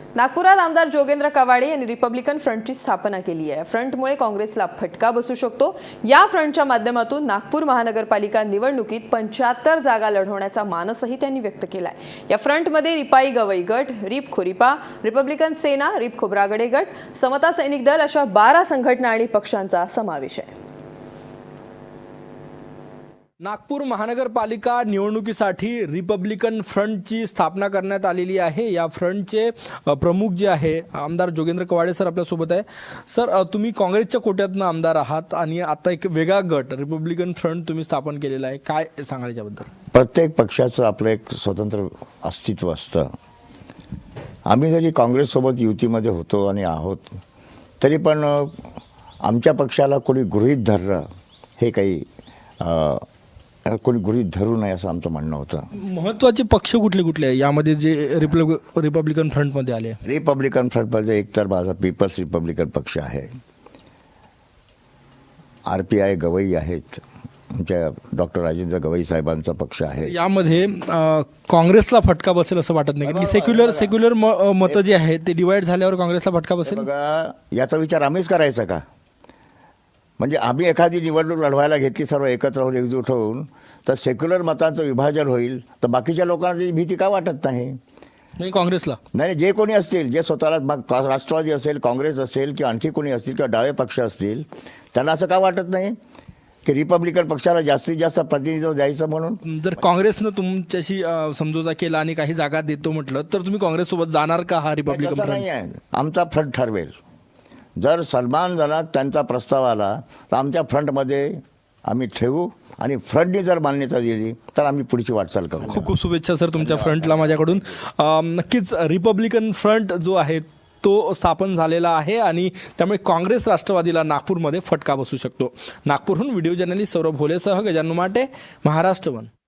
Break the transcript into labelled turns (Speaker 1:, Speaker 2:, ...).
Speaker 1: नागपुरात आमदार जोगेंद्र कवाडे यांनी रिपब्लिकन फ्रंटची स्थापना केली आहे। फ्रंटमुळे काँग्रेसला फटका बसू शकतो। या फ्रंटच्या माध्यमातून नागपूर महानगरपालिका निवडणुकीत 75 जागा लढवण्याचा मानसही त्यांनी व्यक्त केलाय। या फ्रंटमध्ये रिपाई गवई गट, रिप खोरिपा, रिपब्लिकन सेना, रिप खोब्रागडे गट, समता सैनिक दल अशा 12 संघटना आणि पक्षांचा समावेश आहे।
Speaker 2: नागपूर महानगरपालिका निवडणुकीसाठी रिपब्लिकन फ्रंटची स्थापना करण्यात आलेली आहे। या फ्रंटचे प्रमुख जे आहे आमदार जोगेंद्र कवाडे सर आपल्यासोबत आहे। सर, तुम्ही काँग्रेसच्या कोट्यातून आमदार आहात आणि आता एक वेगळा गट रिपब्लिकन फ्रंट तुम्ही स्थापन केलेला आहे, काय सांगाल याबद्दल?
Speaker 3: प्रत्येक पक्षाचं आपलं एक स्वतंत्र अस्तित्व असतं। आम्ही जरी काँग्रेससोबत युतीमध्ये होतो आणि आहोत तरी पण आमच्या पक्षाला कोणी गृहीत धरलं हे काही कोणी गृहीत धरू नये असं आमचं म्हणणं होतं। महत्त्वाचे
Speaker 2: पक्ष कुठले कुठले आहे यामध्ये जे रिपब्लिकन फ्रंटमध्ये आले?
Speaker 3: रिपब्लिकन फ्रंटमध्ये एकतर माझा पीपल्स रिपब्लिकन पक्ष आहे, RPI गवई आहेत, आमच्या डॉक्टर राजेंद्र गवई साहेबांचा पक्ष आहे।
Speaker 2: यामध्ये काँग्रेसला फटका बसेल असं वाटत नाही, कारण सेक्युलर मतं जे आहेत ते डिवाइड झाल्यावर काँग्रेसला फटका बसेल?
Speaker 3: बघा, याचा विचार आम्हीच करायचा का? म्हणजे आम्ही एखादी निवडणूक लढवायला घेतली सर्व एकत्र होऊन एकजूट होऊन तर सेक्युलर मतांचं विभाजन होईल तर बाकीच्या लोकांना ती भीती का वाटत नाही?
Speaker 2: काँग्रेसला
Speaker 3: नाही, जे कोणी असतील, जे स्वतःला राष्ट्रवादी असेल, काँग्रेस असेल किंवा आणखी कोणी असतील किंवा डावे पक्ष असतील, त्यांना असं का वाटत नाही की रिपब्लिकन पक्षाला जास्तीत जास्त प्रतिनिधित्व द्यायचं म्हणून?
Speaker 2: जर काँग्रेसनं तुमच्याशी समझोता केला आणि काही जागा देतो म्हटलं तर तुम्ही काँग्रेससोबत जाणार का? हा रिपब्लिकन
Speaker 3: नाही आहे, आमचा फ्रंट ठरवेल। जर सन्मानजनक त्यांचा प्रस्ताव आला तर आमच्या फ्रंटमध्ये आम्ही ठेवू आणि फ्रंटने जर मान्यता दिली तर आम्ही पुढची वाटचाल करू।
Speaker 2: खूप खूप शुभेच्छा सर तुमच्या फ्रंटला माझ्याकडून। नक्कीच रिपब्लिकन फ्रंट जो आहे तो स्थापन झालेला आहे आणि त्यामुळे काँग्रेस राष्ट्रवादीला नागपूरमध्ये फटका बसू शकतो। नागपूरहून व्हिडिओ जर्नलिस्ट सौरभ भोलेसह गजानन माटे, महाराष्ट्र वन।